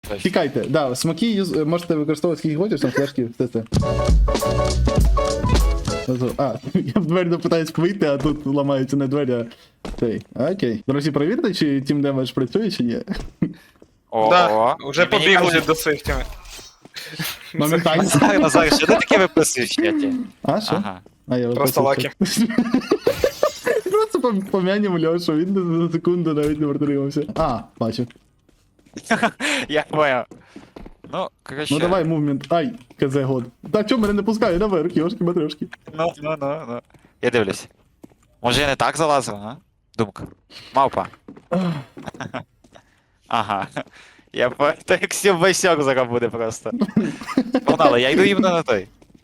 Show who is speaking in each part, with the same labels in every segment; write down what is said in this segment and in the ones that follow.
Speaker 1: Тікайте, да, смоки можете використовувати скільки хочеш, там флешки, все це. А, я в двері допитаюсь вийти, а тут ламаються не двері, а цей. Окей. Друзі, перевірте, чи Team Damage працює, чи ні.
Speaker 2: Да, вже побігли до своїх тіми.
Speaker 1: Моментально.
Speaker 3: Назар, що ти таке виписуєш в чаті?
Speaker 1: А, що?
Speaker 3: Ага.
Speaker 1: А, я
Speaker 2: Просто лаки.
Speaker 1: Просто пом'янем Льошу, він за секунду навіть не протримався. А, бачу.
Speaker 3: Я понял. Ну, короче.
Speaker 1: Ну давай, мувмент. Ай, КЗ год. Та чо мене не пускає наверх, йошки-матрешки.
Speaker 3: Ну. Я дивлюсь. Може я не так залазив, а? Думка. Мавпа. Ага. Я по... То як сьомбайсьок зараз буде просто. Погнали, я йду іменно на той.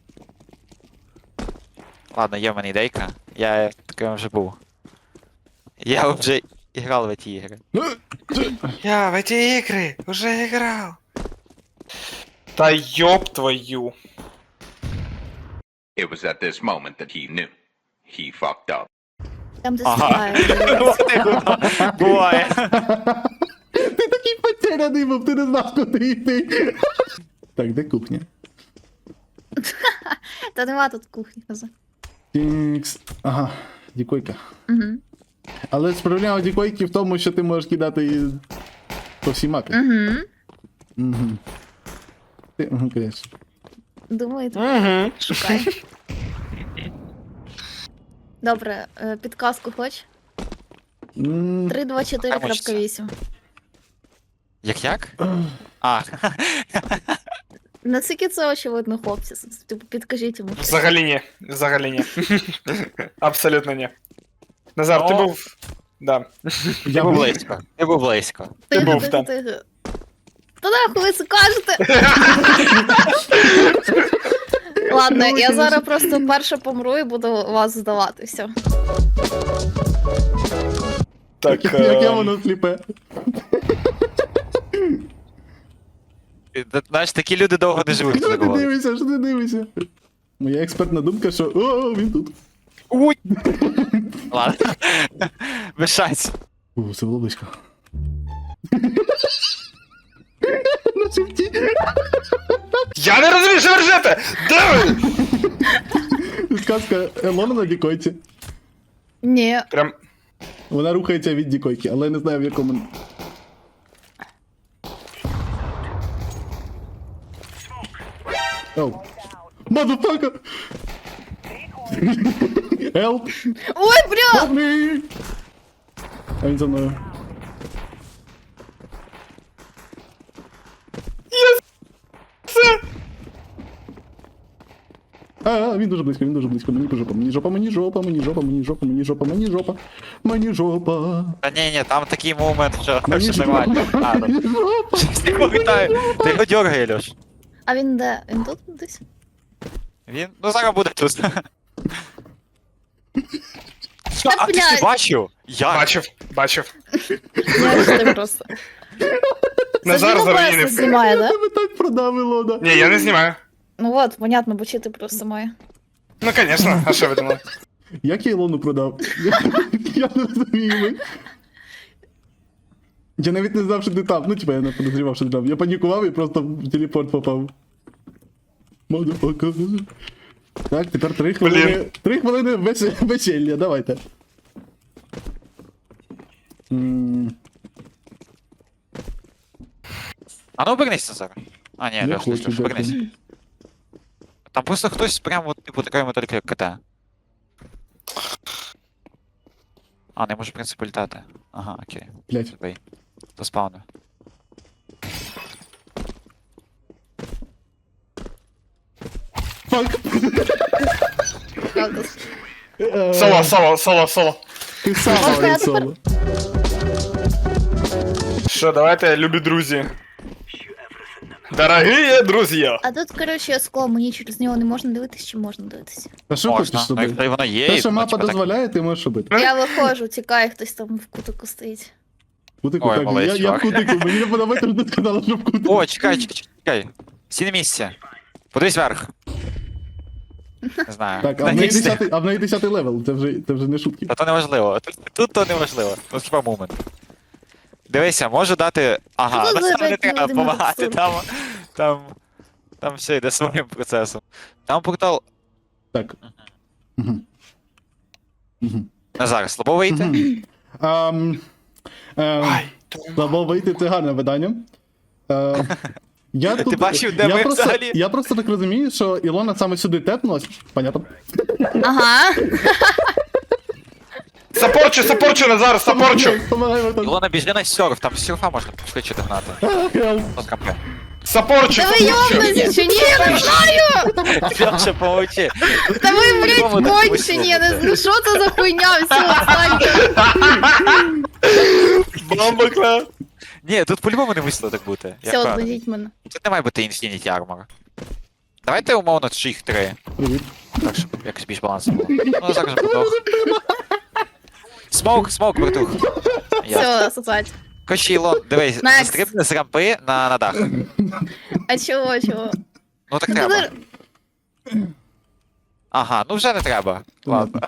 Speaker 3: Ладно, є в мене ідейка. Я таким вже був. Я вже грав в ці ігри.
Speaker 2: Я в эти игры уже играл. Та ёб твою.
Speaker 4: It was at this moment that he knew. He fucked up.
Speaker 5: Там де
Speaker 3: Ага.
Speaker 5: стріляють.
Speaker 3: Буває.
Speaker 1: Ти такий потеряний був, ти не знав, куди йти. Так, де кухня?
Speaker 5: Та нема тут кухні. Коза.
Speaker 1: Тінкс. Ага, дікойка.
Speaker 5: Угу.
Speaker 1: Але проблема дікойки в тому, що ти можеш кидати її по всій мапі.
Speaker 5: Угу.
Speaker 1: Угу. Ти, конечно.
Speaker 5: Думаю, тут
Speaker 2: Угу.
Speaker 5: шукай. Добре, підказку хоч? 324.8.
Speaker 3: Як? А.
Speaker 5: Наскільки це очевидно, хлопці? Типу, підкажіть йому.
Speaker 2: Взагалі ні. Взагалі ні. Абсолютно ні. Назар, ти
Speaker 3: Ну.
Speaker 2: був. Да.
Speaker 3: Я був близько. Я був близько.
Speaker 2: Ти був там.
Speaker 5: Та нахуй ви це кажете? Ладно, я зараз просто перше помру і буду вас здавати, все.
Speaker 2: Так.
Speaker 1: Яке воно сліпе.
Speaker 3: Знаєш, такі люди довго не живуть,
Speaker 1: Що
Speaker 3: коли
Speaker 1: ти
Speaker 3: говорять.
Speaker 1: дивишся, що ти дивишся? Моя експертна думка, що о, він тут.
Speaker 3: Уй! Ладно. Без шансів.
Speaker 1: Це було близько. На шифті.
Speaker 2: Я не розумію, що ви ржете! Де ви?
Speaker 1: Сказка Елона на дікойці.
Speaker 5: Ні.
Speaker 2: Прям.
Speaker 1: Вона рухається від дікойки, але я не знаю в якому. Оу. Мазафака! Help!
Speaker 5: Ой, бля!
Speaker 1: Help me! А він за мною. Він дуже близько, він дуже близько. Мені жопа, мені жопа, мені жопа, мені жопа, мені жопа, мені жопа, мені жопа, мені жопа.
Speaker 3: Та ні, там такий момент, що
Speaker 1: Мені
Speaker 3: все
Speaker 1: жопа,
Speaker 3: нормально. А, ну.
Speaker 1: мені жопа.
Speaker 3: Не пам'ятаю. Ти його дергай, Льош.
Speaker 5: А він де? Він тут десь?
Speaker 3: Він, ну зараз буде тут. Що,
Speaker 5: Та,
Speaker 3: а ти ж не
Speaker 5: блядь.
Speaker 3: бачив? Я.
Speaker 2: Бачив.
Speaker 5: Я ж ти просто.
Speaker 2: Назар
Speaker 5: Це
Speaker 2: заруїнив.
Speaker 5: Дімон знімає, да?
Speaker 1: Тебе так продавило, да.
Speaker 2: Ні, я не знімаю.
Speaker 5: Ну от, понятно, бо чи ти просто має.
Speaker 2: Ну, конечно, а що ви думали?
Speaker 1: Як я Ілону продав? Я не розумію. Я навіть не знав, що ти там. Ну, типа, я не подозрівав, що ти там. Я панікував і просто в телепорт попав. Мазафака. Так, тепер 3 хвилини.
Speaker 2: Блін.
Speaker 1: 3 хвилини весілля, давайте.
Speaker 3: А ну обернись, Назар. А, ні,
Speaker 1: Не
Speaker 3: Льош,
Speaker 1: хочу,
Speaker 3: Льош, обернись.
Speaker 1: дякую.
Speaker 3: Там просто хтось прямо, типу, такої модель, як КТ. А, не можу, в принципі, літати. Ага, окей.
Speaker 1: Блять.
Speaker 3: Забей. До спавну.
Speaker 1: Фак.
Speaker 5: Правда.
Speaker 2: Соло.
Speaker 1: Ти сам
Speaker 5: Можна я
Speaker 1: говорить
Speaker 5: тепер-
Speaker 1: соло.
Speaker 2: Що, давайте, любі друзі. Дорогі друзі!
Speaker 5: А тут, коротше, скло, мені через нього не можна дивитись, чи можна дивитися?
Speaker 1: Та що хочеш
Speaker 3: Можна. Ну,
Speaker 1: собі?
Speaker 3: якщо воно є,
Speaker 1: Те,
Speaker 3: і
Speaker 1: що
Speaker 3: воно,
Speaker 1: мапа
Speaker 3: типу, так-
Speaker 1: дозволяє, ти можеш робити.
Speaker 5: Я виходжу, тікаю, хтось там в кутику стоїть.
Speaker 1: Кутику,
Speaker 3: Ой,
Speaker 1: так,
Speaker 3: молодець,
Speaker 1: я в
Speaker 3: чувак.
Speaker 1: кутику, мені не подобається, що ти сказала, що в кутику.
Speaker 3: О, чекай. Сі на місці. Подивись вверх. Не знаю.
Speaker 1: Так, а в неї 10-й левел, це вже не шутки.
Speaker 3: Та то неважливо. Тут то неважливо. Ну, хіба момент. Дивися, можу дати. Ага,
Speaker 5: Що
Speaker 3: ну
Speaker 5: за
Speaker 3: там не
Speaker 5: опять
Speaker 3: треба
Speaker 5: Володимир
Speaker 3: допомагати,
Speaker 5: Цур?
Speaker 3: там все йде своїм процесом. Там портал.
Speaker 1: Так. Мгм. Мгм.
Speaker 3: Назар, слабо вийти?
Speaker 1: Мгм. Слабо вийти, це гарне видання. Я тут,
Speaker 3: бачив, де ми взагалі?
Speaker 1: Я просто так розумію, що Ілона саме сюди тепнулась. Понятно.
Speaker 5: Ага.
Speaker 2: Сапорчу, Назар, сапорчу!
Speaker 1: Помагай, Богдан.
Speaker 3: Ілона, біжи на серф, там серфа можна швидше догнати.
Speaker 1: Хелп.
Speaker 3: Розкампе.
Speaker 2: Сапорчу,
Speaker 5: Та ви
Speaker 2: сапорчу!
Speaker 5: йобнуться чи ні, я не знаю!
Speaker 3: Льоша, помовчи.
Speaker 5: Та ви, блядь,
Speaker 3: По-любому не
Speaker 5: кончені, я не
Speaker 3: вийшло.
Speaker 5: знаю, що це за хуйня, все, отстаньте.
Speaker 2: Бомба, кла!
Speaker 3: Ні, тут по-любому не мусило так бути. Я
Speaker 5: Все,
Speaker 3: впевнений.
Speaker 5: відведіть мене.
Speaker 3: Тут не має бути Infinity Armor. Давайте умовно чи їх 3.
Speaker 1: Привіт.
Speaker 3: Так, щоб якось більш балансу було. Ну, зараз подох. Смоук, братух. Я.
Speaker 5: Все, сосать.
Speaker 3: Короче, Ілон, дивись,
Speaker 5: Next.
Speaker 3: стрибни з рампи на дах.
Speaker 5: А чого?
Speaker 3: Ну так треба. Ага, ну вже не треба. Ладно.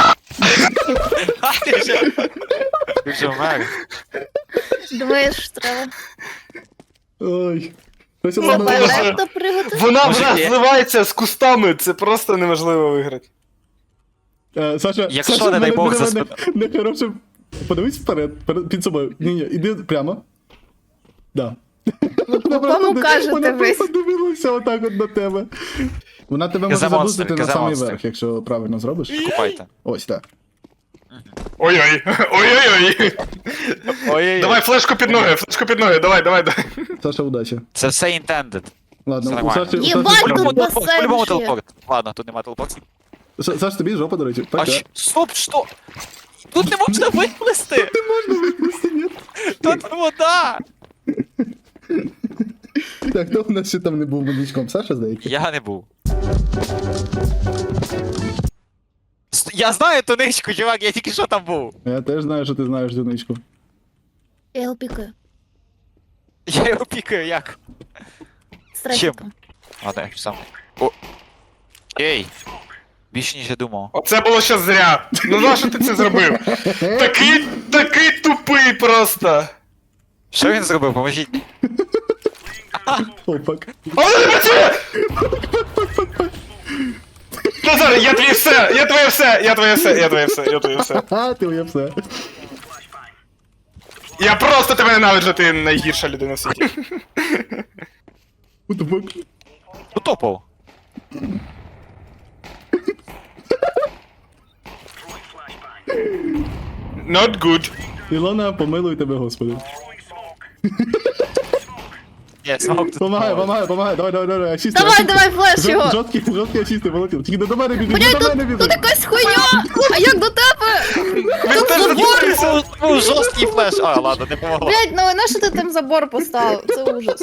Speaker 3: Ти вже вмер.
Speaker 5: Думаєш, що треба?
Speaker 1: Ой. Щось
Speaker 5: Це
Speaker 1: Ілона
Speaker 2: Боже.
Speaker 1: виграла.
Speaker 5: балет приготувати?
Speaker 2: Вона
Speaker 3: Може,
Speaker 2: вже
Speaker 3: є?
Speaker 2: зливається з кустами, це просто неможливо виграти.
Speaker 1: Саша,
Speaker 3: Якщо,
Speaker 1: Саша,
Speaker 3: не дай
Speaker 1: мене
Speaker 3: Бог,
Speaker 1: диви,
Speaker 3: за
Speaker 1: мене нехороше. Подивись вперед, під собою. Ні, іди прямо. Да. Вона
Speaker 5: Кому
Speaker 1: просто
Speaker 5: кажете
Speaker 1: вона
Speaker 5: ви?
Speaker 1: просто дивилася отак от на тебе. Вона тебе може
Speaker 3: Каза монстр,
Speaker 1: забустити на
Speaker 3: каза
Speaker 1: самий
Speaker 3: монстр.
Speaker 1: верх, якщо правильно зробиш.
Speaker 3: Купайте.
Speaker 1: Ось так.
Speaker 2: Ой-ой, ой-ой-ой.
Speaker 3: Ой-ой-ой.
Speaker 2: Давай флешку під ноги, давай.
Speaker 1: Саша, удачі.
Speaker 3: Це все intended.
Speaker 1: Ладно,
Speaker 3: Все
Speaker 1: у
Speaker 3: нормально.
Speaker 1: Саші, у
Speaker 5: Єбать,
Speaker 1: Саші,
Speaker 5: тут
Speaker 3: По-любому
Speaker 5: басейн
Speaker 3: по-любому
Speaker 5: ще.
Speaker 3: телепорт. Ладно, тут нема телепортів.
Speaker 1: Саш, тобі жопа, до речі.
Speaker 3: А
Speaker 1: Пока.
Speaker 3: стоп, що? Тут не можна виплисти!
Speaker 1: Не можна виплисти, ні.
Speaker 3: Тут вода!
Speaker 1: Так, хто в нас ще там не був медичком? Саша, здається?
Speaker 3: Я не був. Я знаю ту ничку, чувак, я тільки що там був.
Speaker 1: Я теж знаю, що ти знаєш дзвіничку.
Speaker 5: Я його пікаю.
Speaker 3: Я його пікаю, як?
Speaker 5: Страйком.
Speaker 3: Ладно, я сам. О. Ей! Більше ніж я думав.
Speaker 2: Оце було ще зря. Ну нащо ти це зробив? Такий тупий просто.
Speaker 3: Що він зробив? Поможіть.
Speaker 1: Опак.
Speaker 2: Але не працює! Назар, я твоє все.
Speaker 1: Ха, ти ує все.
Speaker 2: Я просто тебе ненавиджу, ти найгірша людина в світі.
Speaker 1: What the fuck?
Speaker 3: Утопав.
Speaker 2: Not good.
Speaker 1: Ілона, помилуй тебе, господи.
Speaker 3: Ні, смок тут.
Speaker 1: Помагай, давай, асісти.
Speaker 5: Давай, флеш його!
Speaker 1: Жорсткі асісти, полетів. Тільки до мене біжи,
Speaker 5: Блядь,
Speaker 1: до мене
Speaker 5: тут
Speaker 1: біжи.
Speaker 5: якась хуйня! А як до тебе?
Speaker 2: Він теж
Speaker 5: забор!
Speaker 3: Був жорсткий флеш. А, ладно, не помогло.
Speaker 5: Блядь, ну на що ти там забор поставив? Це ужас.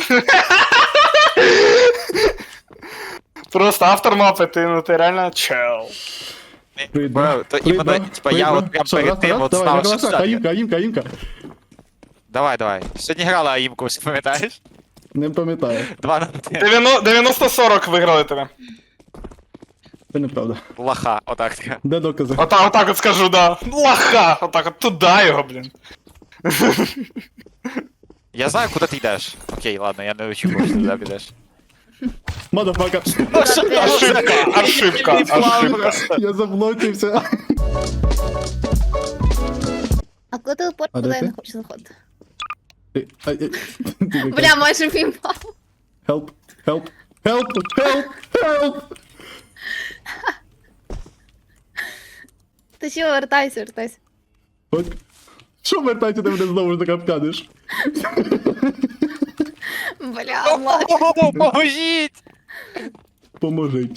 Speaker 2: Просто автор мапи, ти реально чел.
Speaker 1: Привіт,
Speaker 3: Бро, то іменно, типа, я от прям перед тим от знав, що це.
Speaker 1: Аїмка.
Speaker 3: Давай. Сьогодні грала Аїмку, пам'ятаєш?
Speaker 1: Не пам'ятаю.
Speaker 3: 2-1.
Speaker 2: 90-40 виграли тебе.
Speaker 1: Це неправда.
Speaker 3: Лаха, отак.
Speaker 1: Де докази?
Speaker 2: Отак от скажу, да. Лаха! Отак от туди його, блін.
Speaker 3: Я знаю, куди ти йдеш. Окей, ладно, я не очікував, що ти туди підеш.
Speaker 1: Мадафака.
Speaker 2: Ошибка.
Speaker 1: Я заблокився.
Speaker 5: А коли телепорт,
Speaker 1: А де
Speaker 5: куди я
Speaker 1: ти?
Speaker 5: не хочу заходити?
Speaker 1: Бля.
Speaker 5: Бля, майже піймав.
Speaker 1: Help.
Speaker 5: Ти що, вертайся.
Speaker 1: От. Що вертайся, ти мене знову ж таки обтянеш?
Speaker 5: Бля, Влад.
Speaker 3: Поможіть!
Speaker 1: Поможіть.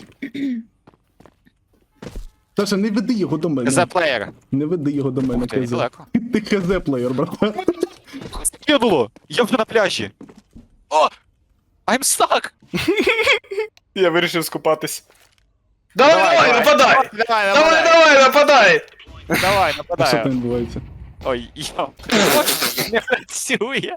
Speaker 1: Саша, не веди його до мене.
Speaker 3: За плеєр.
Speaker 1: Не веди його до мене,
Speaker 3: Ух ти,
Speaker 1: КЗ.
Speaker 3: далеко.
Speaker 1: Ти КЗ плеєр, брат.
Speaker 3: Кинуло! Я вже на пляжі. О! I'm stuck!
Speaker 2: Я вирішив скупатись. Давай, нападай!
Speaker 3: Давай,
Speaker 2: нападай!
Speaker 3: Давай,
Speaker 1: А що там
Speaker 3: нападай.
Speaker 1: відбувається?
Speaker 3: Ой, йо. Не працює.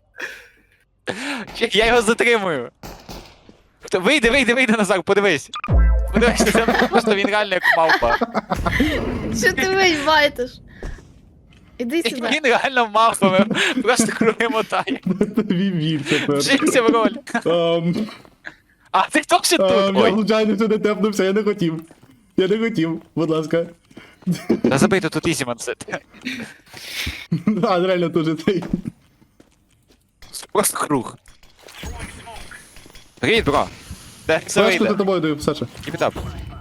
Speaker 3: Я його затримую. Вийди, Назар, подивись. Подивись, це просто він реально як мавпа.
Speaker 5: Що ти виймаєш? Іди сюди.
Speaker 3: Він реально мавпами, просто круги мотає.
Speaker 1: Вів тепер.
Speaker 3: Вжився в роль. А ти хто ще тут?
Speaker 1: Я
Speaker 3: Ой,
Speaker 1: случайно сюди тепнувся, я не хотів. Я не хотів, будь ласка.
Speaker 3: та забийте тут ізі мансит.
Speaker 1: А, реально дуже цей.
Speaker 3: Просто круг. Привіт, бро. Де це
Speaker 1: Флешку за
Speaker 3: вийде?
Speaker 1: тобою даю, Саша.
Speaker 3: Кіпітап.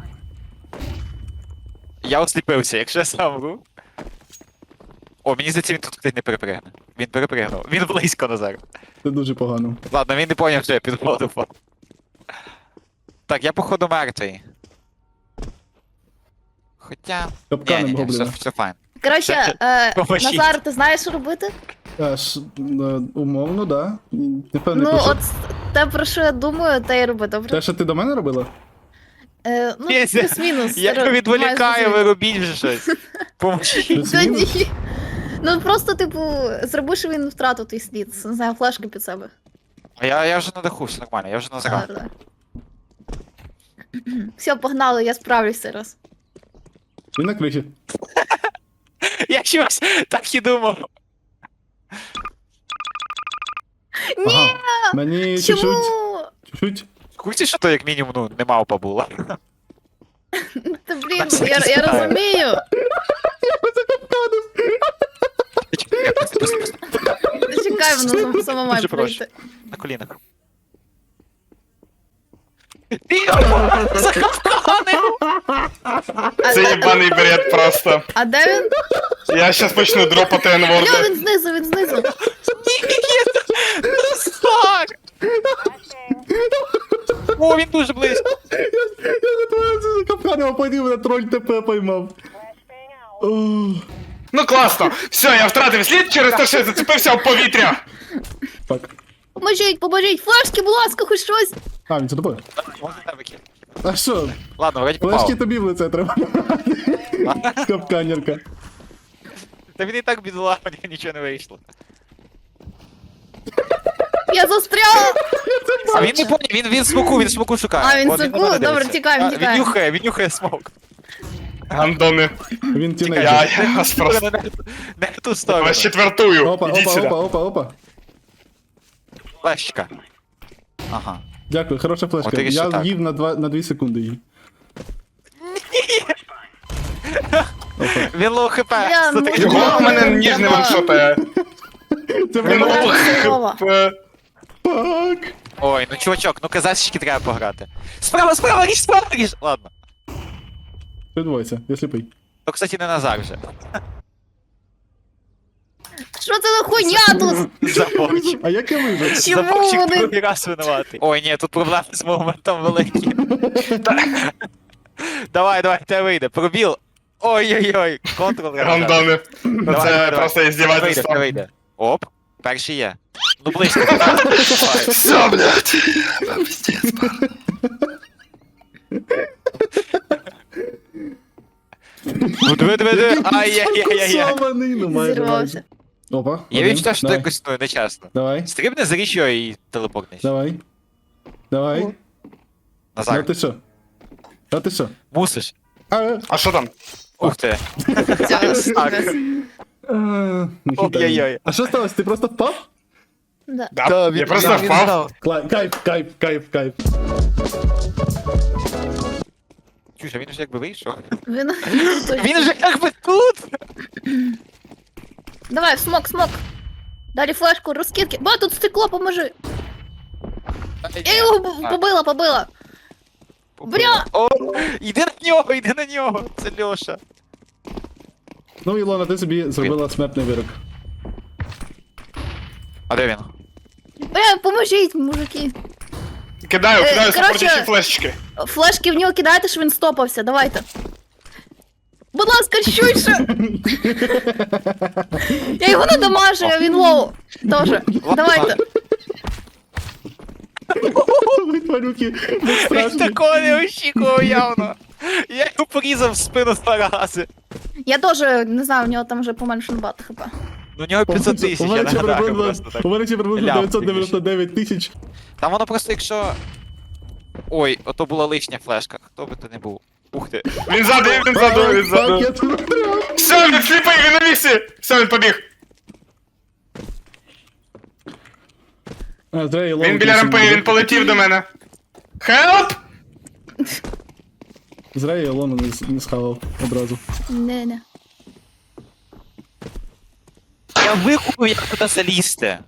Speaker 3: Я осліпився, якщо я сам був. О, мені здається, він тут хтось не перепригне. Він перепригнув. Він близько Назар.
Speaker 1: Це дуже погано.
Speaker 3: Ладно, він не поняв, що я під воду впав. Так, я походу мертвий. Хоча...
Speaker 1: Капканом
Speaker 3: Ні,
Speaker 1: гобліна.
Speaker 3: все файн.
Speaker 5: Коротше,
Speaker 3: Поможіть.
Speaker 5: Назар, ти знаєш, що робити?
Speaker 1: Умовно, да. Не певний
Speaker 5: Ну,
Speaker 1: про що.
Speaker 5: от те, про що я думаю, те й роби, добре?
Speaker 1: Те, що ти до мене робила?
Speaker 5: Ну,
Speaker 3: Пєся,
Speaker 5: плюс-мінус.
Speaker 3: Я
Speaker 5: Маєш
Speaker 3: відволікаю, ви
Speaker 5: зрозуміти.
Speaker 3: робіть вже щось. Поможіть.
Speaker 1: Плюс-мінус?
Speaker 5: Та ні. Ну просто, типу, зроби, що він втратив твій слід. Не знаю, флешки під себе.
Speaker 3: А я вже надиху, все нормально, я вже назирав.
Speaker 5: Добре. Все, погнали, я справлюсь зараз.
Speaker 1: Він на криші.
Speaker 3: Я щось так і думав.
Speaker 5: Ні,
Speaker 1: Мені
Speaker 5: чому?
Speaker 1: чуть-чуть.
Speaker 3: Куці, що то як мінімум, ну, не мавпа була.
Speaker 5: Та блін,
Speaker 3: Так,
Speaker 5: я
Speaker 3: читаю.
Speaker 5: розумію. Чекай, воно само має
Speaker 3: Дуже прошу.
Speaker 5: прийти.
Speaker 3: На колінах. Йо, закапканив!
Speaker 2: Це їбаний бред просто.
Speaker 5: А де він?
Speaker 2: Я щас почну дропати
Speaker 5: Йо,
Speaker 2: енворди.
Speaker 5: він знизу, він знизу.
Speaker 3: Назар! О, він дуже близько.
Speaker 1: Я готувався за капканом, а потім мене троль ТП поймав. Ох,
Speaker 2: Ну класно. Все, я втратив слід через те, що я зацепився в повітря.
Speaker 1: Так.
Speaker 5: Поможіть, флешки, будь ласка, хоч щось.
Speaker 1: А, він за тобою.
Speaker 3: Може тебе кинь.
Speaker 1: А що?
Speaker 3: Ладно, вроді
Speaker 1: Флешки
Speaker 3: попав.
Speaker 1: тобі в лице треба. Капканерка.
Speaker 3: Та він і так бідолах, у нього нічого не вийшло.
Speaker 5: Я застряла.
Speaker 3: А він не поняв, він смоку шукає.
Speaker 5: А, він
Speaker 3: От
Speaker 5: смоку?
Speaker 3: на мене
Speaker 5: Добре,
Speaker 3: дивиться.
Speaker 5: тікаємо,
Speaker 3: А,
Speaker 5: тікаємо.
Speaker 3: Він нюхає смок.
Speaker 2: Гандони.
Speaker 1: Він
Speaker 2: Я
Speaker 1: тінейджер.
Speaker 2: вас просто
Speaker 3: Не в ту сторону.
Speaker 2: вас четвертую.
Speaker 1: Опа,
Speaker 2: Ідіть
Speaker 1: опа,
Speaker 2: сюди.
Speaker 1: опа, опа, опа.
Speaker 3: Флешка. Ага.
Speaker 1: Дякую, хороша
Speaker 3: От
Speaker 1: флешка.
Speaker 3: і ще
Speaker 1: Я
Speaker 3: так.
Speaker 1: їв на 2 секунди її.
Speaker 3: Він лоу хп.
Speaker 5: Бля, ну,
Speaker 3: Смотри.
Speaker 2: Його в мене ніж не ваншотає.
Speaker 1: Це
Speaker 2: Він
Speaker 1: було.
Speaker 2: лох.
Speaker 5: Здорово.
Speaker 1: Так.
Speaker 3: Ой, ну чувачок, ну казачки треба пограти. Справа, ріж! Ладно.
Speaker 1: Відбувайся, я сліпий.
Speaker 3: То, кстати, не Назар вже.
Speaker 5: Що це за хуйня тут?
Speaker 3: Заборчик.
Speaker 1: А як я вижив?
Speaker 5: Чому
Speaker 3: Заборчик
Speaker 5: вони?
Speaker 3: другий раз винуватий. Ой, ні, тут проблеми з моментом великі. Давай, тебе вийде. Пробіл. Ой-ой-ой, контрол треба.
Speaker 2: Гандони. Ну
Speaker 3: Давай,
Speaker 2: це
Speaker 3: давай.
Speaker 2: просто
Speaker 3: Тебе
Speaker 2: іздівательство.
Speaker 3: вийде. Оп, перший є. Ну близько.
Speaker 2: Все, блядь.
Speaker 3: Ну диви. Ай-яй-яй-яй.
Speaker 1: Фокусований, ну майже.
Speaker 5: Зірвався.
Speaker 1: Опа.
Speaker 3: Я
Speaker 1: один.
Speaker 3: відчуваю, що це
Speaker 1: Давай.
Speaker 3: якось ну, нечесно.
Speaker 1: Давай,
Speaker 3: Стрибни за річ його і телепортнись.
Speaker 1: давай. Давай.
Speaker 5: О.
Speaker 1: Ну
Speaker 3: Назар,
Speaker 1: ти що? А ти що?
Speaker 3: мусиш.
Speaker 2: А що там?
Speaker 3: Ух ти.
Speaker 5: Все,
Speaker 3: Так.
Speaker 1: Не
Speaker 3: Ой-ой-ой.
Speaker 1: хитай. А що сталося? Ти просто впав?
Speaker 5: Да.
Speaker 2: Да, я просто впав.
Speaker 1: Кайф.
Speaker 3: Чуєш, а він вже якби вийшов.
Speaker 5: Він...
Speaker 3: Він же якби тут!
Speaker 5: Давай, смок. Далі флешку, розкидки. Ба, тут стекло, поможи. Я його побила. Бля!
Speaker 3: О, іди на нього! Це Льоша.
Speaker 1: Ну, Ілона, ти собі зробила смертний вирок.
Speaker 3: А де він?
Speaker 5: Бля, поможіть, мужики.
Speaker 2: Кидаю
Speaker 5: короче-
Speaker 2: супортячі флешечки.
Speaker 5: Флешки в нього кидайте, щоб він стопався, давайте. Будь ласка, швидше! Я його не дамажу, а він лоу. Тоже. Давайте.
Speaker 1: Ви тварюки, не
Speaker 3: Він
Speaker 1: страшні.
Speaker 3: такого не очікував явно. Я його порізав в спину 2 рази.
Speaker 5: Я теж, не знаю, у нього там вже поменше багато хп.
Speaker 3: Ну у нього 500 тисяч, я нагадаю просто так.
Speaker 1: У мене ще приблизно
Speaker 3: Ляп,
Speaker 1: 999 тисяч.
Speaker 3: Там воно просто якщо... Ой, ото була лишня флешка, хто би то не був. Ух ти.
Speaker 2: Він ззаду, він ззаду, він
Speaker 1: Так, я
Speaker 2: ззаду.
Speaker 1: тут застряв.
Speaker 2: Все, він сліпий, він на місці! Все, він побіг.
Speaker 1: А, зря я
Speaker 2: Він
Speaker 1: ловлю
Speaker 2: біля
Speaker 1: цю
Speaker 2: рампи,
Speaker 1: сім'ю.
Speaker 2: він полетів до мене. Хелп!
Speaker 1: Зря я лону не схавав одразу.
Speaker 5: Не.
Speaker 3: Я викупив, як туди залізти.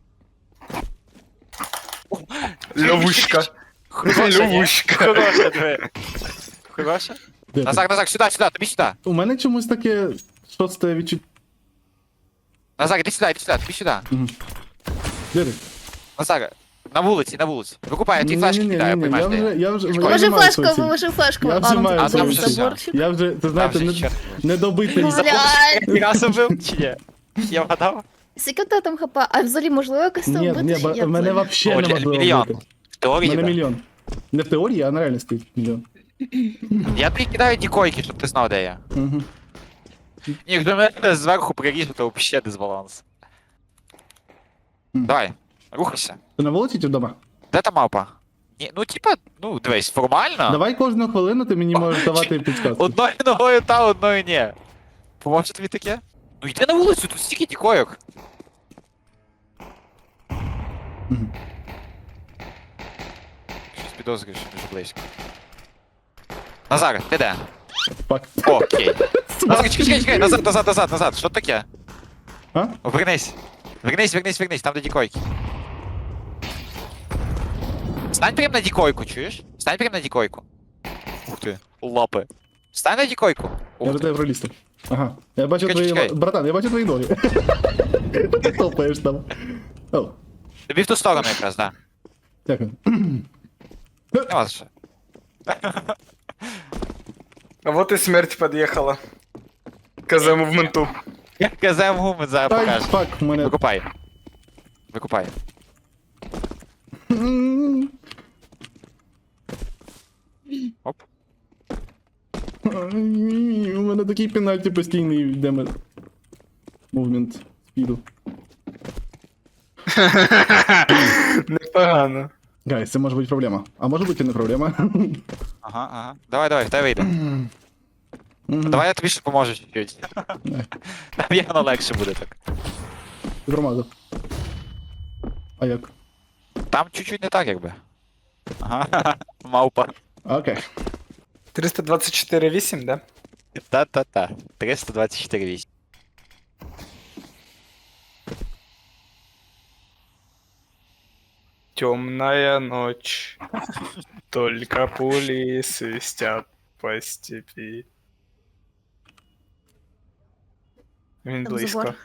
Speaker 2: Ловушка.
Speaker 3: Хороша, ні?
Speaker 2: Ловушка.
Speaker 3: Хороша, диви. Хороша?
Speaker 1: Де ти?
Speaker 3: Назар, сюди, тобі сюди.
Speaker 1: У мене чомусь таке шосте відчуття.
Speaker 3: Назар, іди сюди, тобі сюди.
Speaker 1: Де ти?
Speaker 3: Назар, на вулиці. Викупай, я ті флешки кидаю,
Speaker 1: Ні-ні-ні,
Speaker 3: поймаєш
Speaker 1: я вже...
Speaker 5: Положи
Speaker 1: маю свою
Speaker 5: флешку,
Speaker 1: ціль.
Speaker 5: положи флешку.
Speaker 1: Я вже маю
Speaker 3: А, там
Speaker 1: свою
Speaker 3: вже
Speaker 1: ціль.
Speaker 3: все.
Speaker 5: заборчик.
Speaker 1: Я вже, ти знаєте,
Speaker 3: Там вже ще.
Speaker 1: недобитий.
Speaker 5: Блядь.
Speaker 3: Раз убив, чи ні? Я вгадав?
Speaker 5: Скільки в тебе там хп? А взагалі можливо якось там
Speaker 1: Ні,
Speaker 5: вбити?
Speaker 1: ні,
Speaker 5: чи як
Speaker 1: мене
Speaker 5: взагалі?
Speaker 1: взагалі неможливо
Speaker 3: Мільйон.
Speaker 1: вбити.
Speaker 3: В теорії,
Speaker 1: У мене
Speaker 3: да.
Speaker 1: мільйон. Не в теорії, а на реальності мільйон.
Speaker 3: Я тобі кидаю ті койки, щоб ти знав, де я.
Speaker 1: Угу.
Speaker 3: Ні, якщо мене зверху приріжу, то взагалі дисбаланс. Давай, рухайся.
Speaker 1: Ти на вулиці чи вдома?
Speaker 3: Де та мапа? Ні, ну типа, ну дивись, формально.
Speaker 1: Давай кожну хвилину ти мені можеш давати підказки.
Speaker 3: Одною ногою та, одною ні. Поможе тобі таке? Ну йди на вулицю, тут стільки ті койок.
Speaker 1: Мгм.
Speaker 3: Щось підозрюю, що дуже близько. Назар, ти де?
Speaker 1: Фак.
Speaker 3: Окей. Назар, чекай, назад, що таке?
Speaker 1: А?
Speaker 3: О, вернись, там де дікойки. Стань прям на дікойку, чуєш? Стань прям на дікойку. Ух ти, лапи. Стань на дікойку.
Speaker 1: Я
Speaker 3: Ух
Speaker 1: до
Speaker 3: ти.
Speaker 1: тебе пролізти. Ага. Я бачу
Speaker 3: Чекай,
Speaker 1: твої...
Speaker 3: чекай.
Speaker 1: Братан, я бачу твої ноги. Ти топаєш там. О,
Speaker 3: Тобі в ту сторону якраз, да.
Speaker 1: дякую.
Speaker 3: Нема за що.
Speaker 2: А вот и смерть подъехала. КЗ мувменту.
Speaker 3: Я казав гуми зараз
Speaker 1: Ай,
Speaker 3: покажу.
Speaker 1: фак, у мене...
Speaker 3: Викупай. Оп.
Speaker 1: У мене такий пенальті постійний йде мувмент спіду.
Speaker 2: Непогано.
Speaker 1: Гайс, це може бути проблема. А може бути і не проблема.
Speaker 3: Ага. Давай, в тебе вийде.
Speaker 1: Мгм.
Speaker 3: Давай я тобі ще поможу чуть-чуть. Там явно легше буде так.
Speaker 1: Громаду. А як?
Speaker 3: Там чуть-чуть не так, якби. Ага, мавпа.
Speaker 1: Окей.
Speaker 2: 324,8, да?
Speaker 3: Та. 324,8.
Speaker 2: Темная ночь. Только пули свистят по степи. Він
Speaker 5: Там
Speaker 2: близько.
Speaker 5: забор.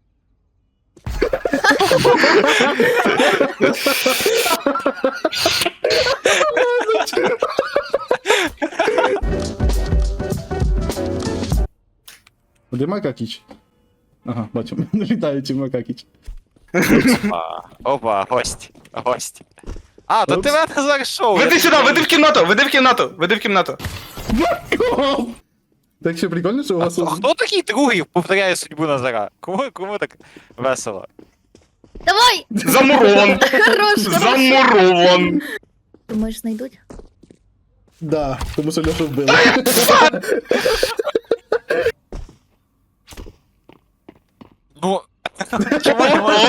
Speaker 1: Де Макакіч? Ага, бачу. Літаючий Макакіч.
Speaker 3: Опа, гость. А, то ти
Speaker 1: Упс.
Speaker 3: мене зараз шоу.
Speaker 2: Веди сюди, веди в кімнату.
Speaker 1: Так що прикольно, що у вас...
Speaker 3: Хто такий другий повторяє судьбу Назара? Кому так весело?
Speaker 5: Давай!
Speaker 2: Замурован.
Speaker 5: Хорош!
Speaker 2: Замурован.
Speaker 5: Думаєш, знайдуть?
Speaker 1: Да, тому що Льошу вбили.
Speaker 3: Ну. Чому не можу?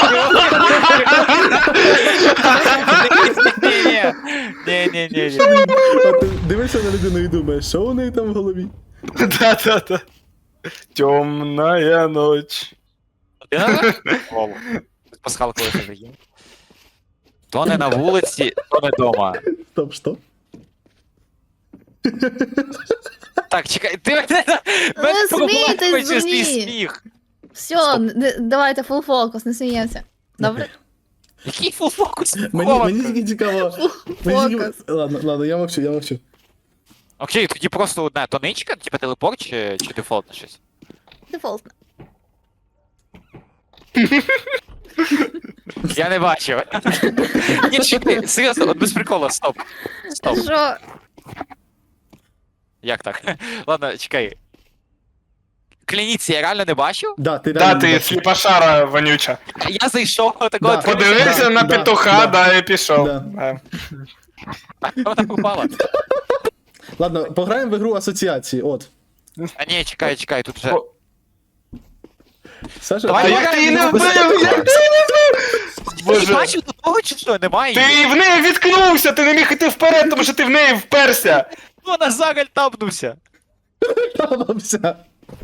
Speaker 3: Ні.
Speaker 1: А ти дивишся на людину і думаєш, що у неї там в голові?
Speaker 2: Да. Темная ночь.
Speaker 3: Ти на голову. Пасхалка лише є. То не на вулиці, то не дома.
Speaker 1: Стоп, що?
Speaker 3: Так, чекай, ти мене
Speaker 5: смійтесь,
Speaker 3: провокуєш свій
Speaker 5: дурні.
Speaker 3: сміх.
Speaker 5: Все, давайте фул фокус, не сміємося. Добре?
Speaker 3: Який фулфокус?
Speaker 1: Мені тільки цікаво. Мені тільки-
Speaker 5: Фокус.
Speaker 1: Ладно, я мовчу.
Speaker 3: Окей, тоді просто одна тоничка, типа телепорт чи дефолтне щось?
Speaker 5: Дефолтно.
Speaker 3: Я не бачив. Ні, чекай, серйозно, от без приколу, стоп.
Speaker 5: Що?
Speaker 3: Як так? Ладно, чекай. Клініці, я реально не бачив?
Speaker 1: Да, ти
Speaker 2: Да,
Speaker 1: реально
Speaker 2: ти
Speaker 1: бачиш.
Speaker 2: сліпошара вонюча.
Speaker 3: Я зайшов такого
Speaker 1: Да.
Speaker 2: Подивився на
Speaker 1: Да,
Speaker 2: петуха,
Speaker 1: да.
Speaker 2: да, і пішов.
Speaker 1: Да.
Speaker 3: вона попала.
Speaker 1: Ладно, пограємо в ігру асоціації, от.
Speaker 3: А ні, чекай, тут вже.
Speaker 2: О.
Speaker 1: Саша,
Speaker 2: А
Speaker 3: Давай,
Speaker 2: як ти її не вбив? Як ти її не вбив?
Speaker 3: Ти
Speaker 2: Боже.
Speaker 3: бачив до того чи що? Немає
Speaker 2: Ти
Speaker 3: її.
Speaker 2: в неї відкнувся, ти не міг іти вперед, тому що ти в неї вперся.
Speaker 3: Ну, Назар альтабнувся.
Speaker 1: Ставився.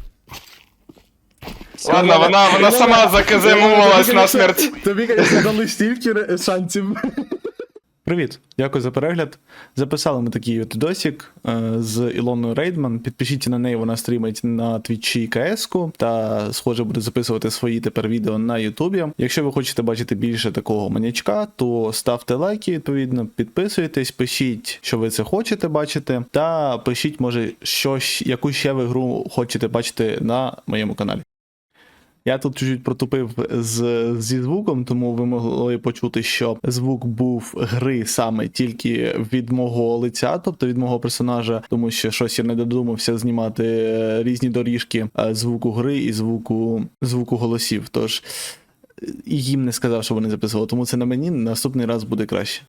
Speaker 2: Ладно, вона сама заказемувалась на смерть.
Speaker 1: Тобі, звісно, дали стільки шансів. Привіт, дякую за перегляд. Записали ми такий от відосик з Ілоною Рейдман. Підпишіться на неї, вона стрімить на Твічі КС-ку та, схоже, буде записувати свої тепер відео на Ютубі. Якщо ви хочете бачити більше такого манячка, то ставте лайки, відповідно, підписуйтесь, пишіть, що ви це хочете бачити, та пишіть, може, яку ще ви гру хочете бачити на моєму каналі. Я тут чуть-чуть протупив зі звуком, тому ви могли почути, що звук був гри саме тільки від мого лиця, тобто від мого персонажа, тому що щось я не додумався знімати різні доріжки звуку гри і звуку голосів. Тож і їм не сказав, що вони записували, тому це на мені наступний раз буде краще.